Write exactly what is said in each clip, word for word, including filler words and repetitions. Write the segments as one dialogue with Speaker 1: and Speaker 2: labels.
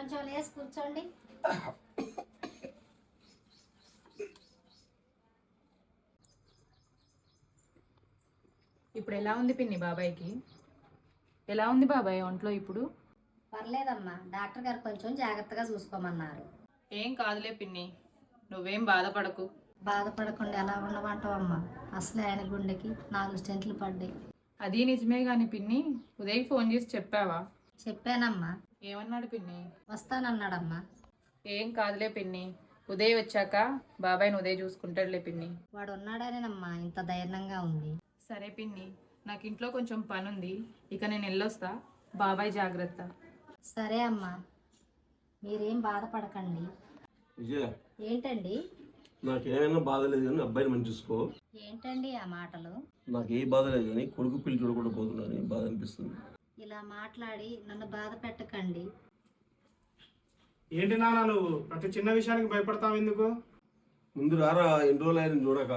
Speaker 1: కొంచెం లేసి కూర్చోండి.
Speaker 2: ఇప్పుడు ఎలా ఉంది పిన్ని బాబాయ్కి? ఎలా ఉంది బాబాయ్ ఒంట్లో ఇప్పుడు?
Speaker 1: పర్లేదమ్మా, డాక్టర్ గారు కొంచెం జాగ్రత్తగా చూసుకోమన్నారు.
Speaker 2: ఏం కాదులే పిన్ని, నువ్వేం బాధపడకు.
Speaker 1: బాధపడకుండా ఎలా ఉండమంటావమ్మా? అసలే ఆయన గుండెకి నాలుగు స్టెంట్లు పడ్డాయి.
Speaker 2: అది నిజమే గాని పిన్ని, ఉదయ్ ఫోన్ చేసి చెప్పావా?
Speaker 1: చెప్పానమ్మా.
Speaker 2: ఏమన్నాడు పిన్ని?
Speaker 1: వస్తానన్నాడమ్మా.
Speaker 2: ఏం కాదులే పిన్ని, ఉదయ్ వచ్చాక బాబాయ్ని ఉదయ్ చూసుకుంటాడులే పిన్ని.
Speaker 1: వాడు ఉన్నాడనేనమ్మా ఇంత ధైర్యంగా ఉంది.
Speaker 2: సరే పిన్ని, నాకు ఇంట్లో కొంచెం పని ఉంది, ఇక నేను వెళ్ళొస్తా. బాబాయ్ జాగ్రత్త.
Speaker 1: సరే అమ్మా, మీరేం బాధపడకండి.
Speaker 3: విజయ,
Speaker 1: ఏంటండి?
Speaker 3: నాకేమైనా బాధ లేదు కానీ అబ్బాయిని మంచి చూసుకో.
Speaker 1: ఏంటండి ఆ మాటలు?
Speaker 3: నాకు ఏ బాధ లేదు కానీ కొడుకు పిల్లి చూడకుండా పోతున్నాను, బాధ అనిపిస్తుంది.
Speaker 1: ఇలా మాట్లాడి నన్ను బాధ పెట్టకండి.
Speaker 4: ఏంటి నాన్న నువ్వు ప్రతి చిన్న విషయానికి భయపడతావు ఎందుకు?
Speaker 3: ముందు రారా, ఎన్ని రోజులు ఆయన చూడక.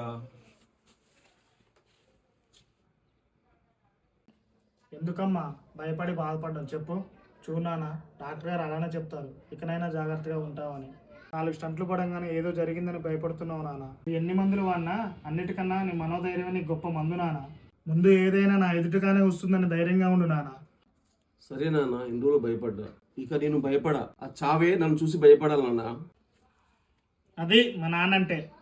Speaker 4: ఎందుకమ్మా భయపడి బాధపడ్డాం చెప్పు. చూడు నాన్న, డాక్టర్ గారు అలానే చెప్తారు, ఇకనైనా జాగ్రత్తగా ఉంటావని. నాలుగు స్టంట్లు పడంగానే ఏదో జరిగిందని భయపడుతున్నావు నాన్న. ఎన్ని మందులు వాడినా అన్నిటికన్నా నీ మనోధైర్యమే నీ గొప్ప మందు నాన్న. ముందు ఏదైనా నా ఎదుటిగానే వస్తుందని ధైర్యంగా ఉండు నాన్న.
Speaker 3: సరే నాన్న, ఎన్ని రోజులు భయపడ్డా, ఇక నేను భయపడా. ఆ చావే నన్ను చూసి భయపడాలన్నా.
Speaker 4: అది మా నాన్న అంటే.